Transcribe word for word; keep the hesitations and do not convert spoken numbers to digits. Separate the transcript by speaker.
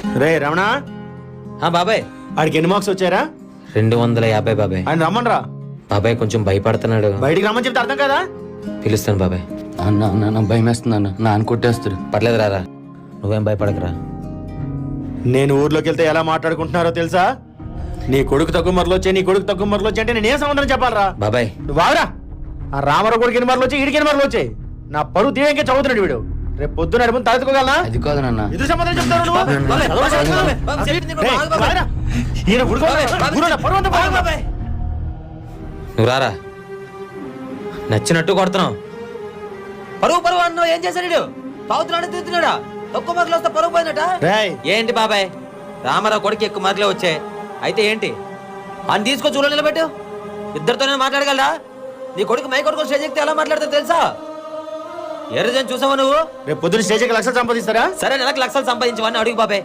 Speaker 1: రే రమణ,
Speaker 2: ఆ బాబాయ్,
Speaker 1: ఆడికి ఎన్ని మార్క్స్ వచ్చారా?
Speaker 2: రెండు వందల యాభై బాబాయ్.
Speaker 1: ఆయన రమ్మనరా.
Speaker 2: బాబాయ్ కొంచెం భయపడుతున్నాడు.
Speaker 1: బయటికి రమ్మని చెప్తే అర్థం కదా.
Speaker 2: పిలుస్తాను బాబాయ్.
Speaker 3: అన్న అన్న భయం వేస్తుంది అన్న, నాన్న కొట్టేస్తాడు.
Speaker 2: పర్లేదు రారా, నువ్వేం భయపడకరా.
Speaker 1: నేను ఊర్లోకి వెళ్తే ఎలా మాట్లాడుకుంటున్నారో తెలుసా? నీ కొడుకు తక్కువ మరలు వచ్చాయి, నీ కొడుకు తక్కువ మరలు వచ్చాయి అంటే నేను ఏం సమాధానం చెప్పాలరా?
Speaker 2: బాబాయ్
Speaker 1: నువ్వు వాగరా. ఆ రామారావు కొడుకు ఎన్ని మరలు వచ్చాయి, ఈడికి ఎన్ని మరలు వచ్చాయి? నా పరువు తీయంగా చదువుతున్నాడు వీడు. రేపు పొద్దున నడుపుని తలెత్తుకోగలనా?
Speaker 3: అది కాదు నాన్న.
Speaker 1: ఎదురు సమాధానం చెప్తాను నువ్వు? రేయ్, వాగరా. ఈయన ఉడుకోవాలి. ఊరు నా పరువు అంతా పోయింది.
Speaker 2: నువ్వు రారా, నచ్చినట్టు కొడుతున్నావు. పరువు పరువు అన్నావు, ఏం చేశాడు? తాగుతున్నాడు, తిరుగుతున్నాడా? తక్కువ మార్కులు వస్తే పరువు పోయిందట.
Speaker 1: రేయ్,
Speaker 2: ఏంటి బాబాయ్, రామారావు కొడుకు ఎక్కువ మార్కులే వచ్చాయి అయితే ఏంటి? అని తీసుకొని చూడ నిలబెట్టు. ఇద్దరితోనే మాట్లాడగలరా? నీ కొడుకు మై కొడుకు స్టేజ్ ఎక్కితే ఎలా మాట్లాడతావు తెలుసా? ఏ రోజు చూసావా నువ్వు?
Speaker 1: రేపు పొద్దున స్టేజ్కి లక్షలు సంపాదిస్తారా?
Speaker 2: సరే, నెలకు లక్షలు సంపాదించవని అడుగు బాబాయ్.